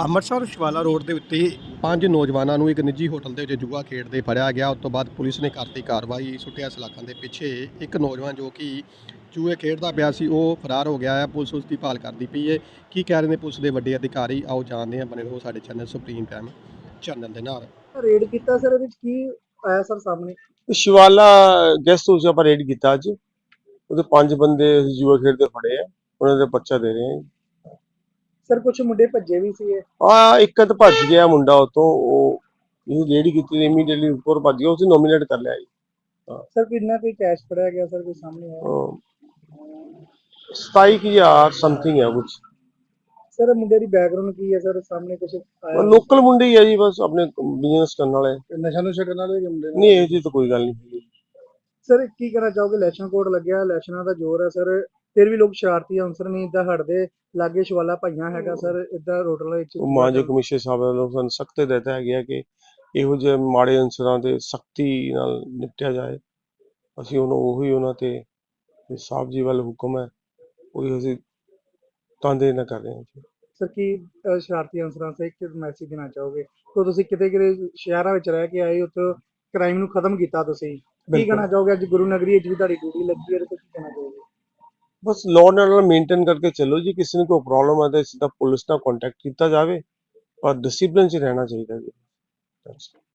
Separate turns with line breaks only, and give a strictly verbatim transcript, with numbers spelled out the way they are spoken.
Amritsar ਸ਼ਿਵਾਲਾ road ਦੇ ਉੱਤੇ ਪੰਜ ਨੌਜਵਾਨਾਂ ਨੂੰ ਇੱਕ ਨਿੱਜੀ ਹੋਟਲ ਦੇ ਵਿੱਚ ਜੂਆ ਖੇਡਦੇ ਫੜਿਆ ਗਿਆ। ਉਸ ਤੋਂ ਬਾਅਦ ਪੁਲਿਸ ਨੇ ਕਰਤੀ ਕਾਰਵਾਈ। ਸੁੱਟਿਆ ਸਲਾਖਾਂ ਦੇ ਪਿੱਛੇ ਇੱਕ ਨੌਜਵਾਨ ਜੋ ਕਿ ਜੂਏ ਖੇਡਦਾ ਪਿਆ ਸੀ ਉਹ ਫਰਾਰ ਹੋ ਗਿਆ ਹੈ। ਪੁਲਿਸ ਉਸ ਦੀ ਭਾਲ ਕਰਦੀ ਪਈ ਹੈ। ਕੀ ਕਹਿ ਰਹੇ ਨੇ ਪੁਲਿਸ ਦੇ ਵੱਡੇ ਅਧਿਕਾਰੀ, ਆਓ ਜਾਣਦੇ ਹਾਂ। ਬਣੇ ਰਹੋ ਸਾਡੇ ਚੈਨਲ ਸੁਪਰੀਮ ਟਾਈਮ ਚੈਨਲ ਦੇ ਨਾਲ।
ਰੇਡ ਕੀਤਾ ਸਰ, ਇਹਦੇ ਵਿੱਚ ਕੀ ਆਇਆ ਸਰ ਸਾਹਮਣੇ?
शिवाला गेस्ट हाउस पर रेड किया अज ਉਹਦੇ ਪੰਜ ਬੰਦੇ ਜੂਆ ਖੇਡਦੇ ਫੜੇ ਆ। ਉਹਨਾਂ ਦੇ ਪਰਚਾ ਦੇ ਰਹੇ ਆ।
ਸਰ ਕੁਝ ਮੁੰਡੇ ਭੱਜੇ ਵੀ ਸੀ।
ਆ ਇੱਕ ਤਾਂ ਭੱਜ ਗਿਆ ਮੁੰਡਾ ਉਤੋਂ, ਉਹ ਇਹ ਰੇਡੀ ਕੀਤੀ ਇਮੀਡੀਏਟਲੀ ਉੱਪਰ ਭੱਜ ਗਿਆ, ਉਸੇ ਨੋਮੀਨੇਟ ਕਰ ਲਿਆ ਜੀ।
ਸਰ ਕਿੰਨਾ ਕੋਈ ਕੈਸ਼ ਫੜਿਆ ਗਿਆ ਸਰ, ਕੋਈ ਸਾਹਮਣੇ ਆਇਆ?
ਸਤਾਈ ਹਜ਼ਾਰ ਸਮਥਿੰਗ ਹੈ ਕੁਝ।
ਸਰ ਮੁੰਡੇ ਦੀ ਬੈਕਗ੍ਰਾਉਂਡ ਕੀ ਹੈ ਸਰ, ਸਾਹਮਣੇ ਕੁਝ ਆਇਆ?
ਲੋਕਲ ਮੁੰਡੇ ਹੀ ਹੈ ਜੀ, ਬਸ ਆਪਣੇ ਬਿਜ਼ਨਸ ਕਰਨ ਵਾਲੇ।
ਨਸ਼ਾ ਨੁਸ਼ਾ ਕਰਨ ਵਾਲੇ ਮੁੰਡੇ
ਨਹੀਂ ਇਹ ਜੀ ਤਾਂ ਕੋਈ ਗੱਲ ਨਹੀਂ।
ਸਰ ਕੀ ਕਹਿਣਾ ਚਾਹੋਗੇ? ਇਲੈਕਸ਼ਨ ਕੋਡ ਲੱਗਿਆ, ਇਲੈਕਸ਼ਨਾਂ ਦਾ ਜ਼ੋਰ ਹੈ ਸਰ, ਫਿਰ ਵੀ ਲੋਕ ਸ਼ਰਾਰਤੀ ਅਨਸਰ ਨਹੀਂ ਇਦਾਂ ਹਟਦੇ। ਲਾਗੇ ਸ਼ਿਵਾਲਾ ਭਾਈਆਂ ਹੈਗਾ ਸਰ, ਇਦਾਂ ਰੋਡਲ ਵਿੱਚ
ਮਾਨਯੋਗ ਕਮਿਸ਼ਨ ਸਾਹਿਬ ਵੱਲੋਂ ਸਾਨੂੰ ਸਖਤ ਹਦਾਇਤਾਂ ਹੈਗੀਆਂ ਕਿ ਇਹੋ ਜਿਹੇ ਮਾੜੇ ਅਨਸਰਾਂ ਦੇ ਸਖਤੀ ਨਾਲ ਨਿਪਟਿਆ ਜਾਏ। ਅਸੀਂ ਉਹਨੂੰ ਉਹੀ ਉਹਨਾਂ ਤੇ ਸਾਹਿਬ ਜੀ ਵੱਲ ਹੁਕਮ ਹੈ, ਉਹੀ ਅਸੀਂ ਤਾਂਦੇ ਨਾ ਕਰ ਰਹੇ ਹਾਂ ਜੀ।
ਸਰ ਕੀ ਅਹ, ਸ਼ਰਾਰਤੀ ਅਨਸਰਾਂ ਸੇ ਇੱਕ ਮੈਸੇਜ ਦੇਣਾ ਚਾਹੋਗੇ? ਤਾਂ ਤੁਸੀਂ ਕਿਤੇ ਕਿਤੇ ਸ਼ਹਿਰਾਂ ਵਿੱਚ ਰਹਿ ਕੇ ਆਏ, ਉੱਥੇ ਕ੍ਰਾਈਮ ਨੂੰ ਖਤਮ ਕੀਤਾ ਤੁਸੀਂ, ਕੀ ਕਹਿਣਾ ਚਾਹੋਗੇ? ਅੱਜ ਗੁਰੂ ਨਗਰੀ ਵਿੱਚ ਵੀ ਤੁਹਾਡੀ ਡਿਊਟੀ ਲੱਗੀ ਹੈ, ਤੇ ਕੀ ਕਹਿਣਾ ਚਾਹੋਗੇ?
ਬਸ ਲਾਅ ਐਂਡ ਆਰਡਰ ਮੇਨਟੇਨ ਕਰਕੇ ਚੱਲੋ ਜੀ। ਕਿਸੇ ਨੂੰ ਕੋਈ ਪ੍ਰੋਬਲਮ ਹੈ ਤਾਂ ਸਿੱਧਾ ਪੁਲਿਸ ਨਾਲ ਕੰਟੈਕਟ ਕੀਤਾ ਜਾਵੇ, ਪਰ ਡਿਸਿਪਲਿਨ 'ਚ ਰਹਿਣਾ ਚਾਹੀਦਾ ਜੀ।